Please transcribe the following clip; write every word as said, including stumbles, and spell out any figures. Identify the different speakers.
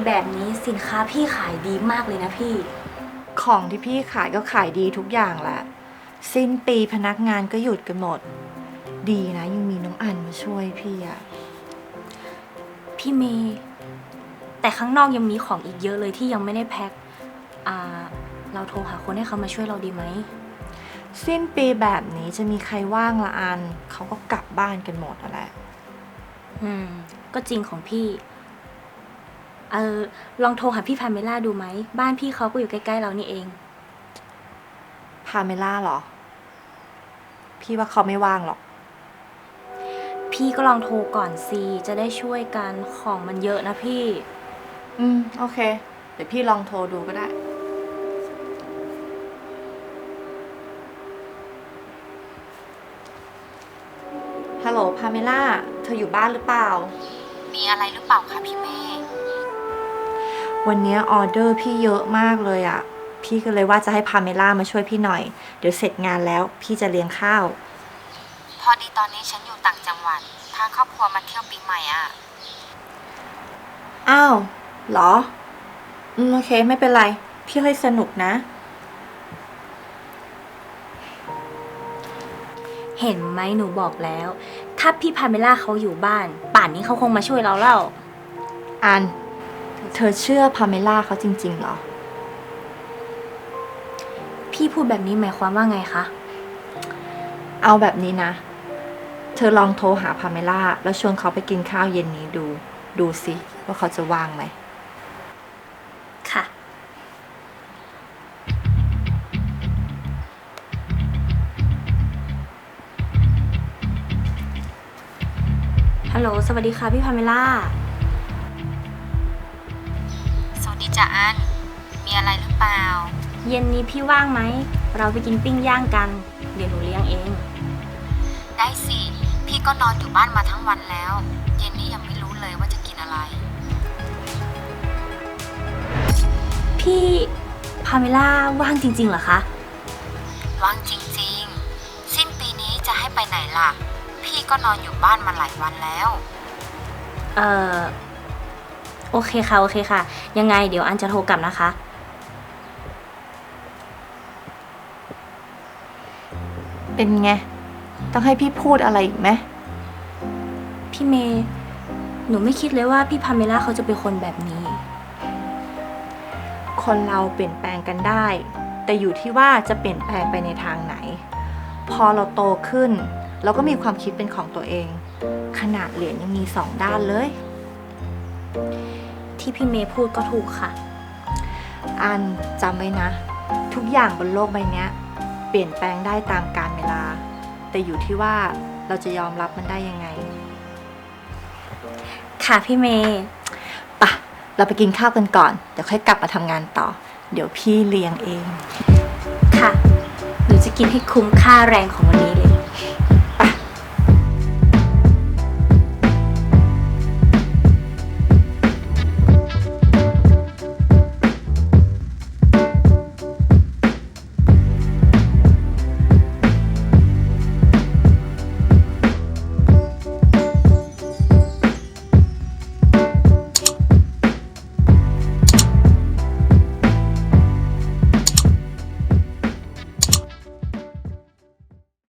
Speaker 1: แบบนี้สินค้าพี่ขายดีมากเลยนะพี่
Speaker 2: ของที่พี่ขายก็ขายดีทุกอย่างแหละสิ้นปีพนักงานก็หยุดกันหมดดีนะยังมีน้องอันมาช่วยพี่อะ
Speaker 1: พี่เมย์แต่ข้างนอกยังมีของอีกเยอะเลยที่ยังไม่ได้แพ็คอ่าเราโทรหาคนให้เขามาช่วยเราดีไหม
Speaker 2: สิ้นปีแบบนี้จะมีใครว่างละอันเขาก็กลับบ้านกันหมดอะแหละ
Speaker 1: อืมก็จริงของพี่เออลองโทรหาพี่พาเมล่าดูไหมบ้านพี่เขาก็อยู่ใกล้ๆเรานี่เอง
Speaker 2: พาเมล่าเหรอ พี่ว่าเขาไม่ว่างหรอก
Speaker 1: พี่ก็ลองโทรก่อนสิจะได้ช่วยกันของมันเยอะนะพี่
Speaker 2: อืมโอเค เดี๋ยวพี่ลองโทรดูก็ได้ ฮัลโหลพาเมล่า เธออยู่บ้านหรือเปล่า
Speaker 3: มีอะไรหรือเปล่าคะพี่เมย์
Speaker 2: วันนี้ออเดอร์พี่เยอะมากเลยอะพี่ก็เลยว่าจะให้พาเมล่ามาช่วยพี่หน่อย เดี๋ยวเสร็จงานแล้วพี่จะเลี้ยงข้าว
Speaker 3: พอดีตอนนี้ฉันอยู่ต่างจังหวัดพาครอบครัวมาเที่ยวปีใหม่อ่ะ
Speaker 2: อ้าวเหรอ อืมโอเคไม่เป็นไร พี่ให้สนุกนะ
Speaker 1: เห็นไหมหนูบอกแล้ว ถ้าพี่พาเมล่าเขาอยู่บ้าน ป่านนี้เขาคงมาช่วยเราแล้ว
Speaker 2: อัน เธอเชื่อพาเมล่าเขาจริงๆเหรอ
Speaker 1: พี่พูดแบบนี้หมายความว่าไงคะ
Speaker 2: เอาแบบนี้นะ เธอลองโทรหาพาเมล่าแล้วชวนเขาไปกินข้าวเย็นนี้ดู ดูสิว่าเขาจะว่างไหม
Speaker 1: ค่ะ ฮัลโหล สวัสดีค่ะพี่พาเมล่า
Speaker 3: สวัสดีจ้ะอัน มีอะไรหรือเปล่า
Speaker 1: เย็นนี้พี่ว่างไหม เราไปกินปิ้งย่างกัน เดี๋ยวหนูเลี้ยงเอง
Speaker 3: ได้สิ พี่ก็นอนอยู่บ้านมาทั้งวันแล้ว เย็นนี้ยังไม่รู้เลยว่าจะกินอะไร
Speaker 1: พี่พาเมล่าว่างจริงๆเหรอคะ
Speaker 3: ว่างจริงๆ สิ้นปีนี้จะให้ไปไหนล่ะ พี่ก็นอนอยู่บ้านมาหลายวันแล้ว
Speaker 1: เอ่อ โอเคค่ะ โอเคค่ะ ยังไงเดี๋ยวอันจะโทรกลับนะคะ
Speaker 2: เป็นไง ต้องให้พี่พูดอะไรอีกไหม
Speaker 1: พี่เมย์หนูไม่คิดเลยว่าพี่พาเมล่าเขาจะเป็นคนแบบนี้
Speaker 2: คนเราเปลี่ยนแปลงกันได้ แต่อยู่ที่ว่าจะเปลี่ยนแปลงไปในทางไหน พอเราโตขึ้นเราก็มีความคิดเป็นของตัวเอง ขนาดเหรียญยังมีสองด้านเลย
Speaker 1: ที่พี่เมย์พูดก็ถูกค่ะ
Speaker 2: อันจำไว้นะ ทุกอย่างบนโลกใบนี้เปลี่ยนแปลงได้ตามกาลเวลา แต่อยู่ที่ว่าเราจะยอมรับมันได้ยังไง
Speaker 1: ค่ะพี่เมย์
Speaker 2: ปะเราไปกินข้าวกันก่อน เดี๋ยวค่อยกลับมาทำงานต่อ เดี๋ยวพี่เลี้ยงเอง
Speaker 1: ค่ะ หนูจะกินให้คุ้มค่าแรงของวันนี้เลย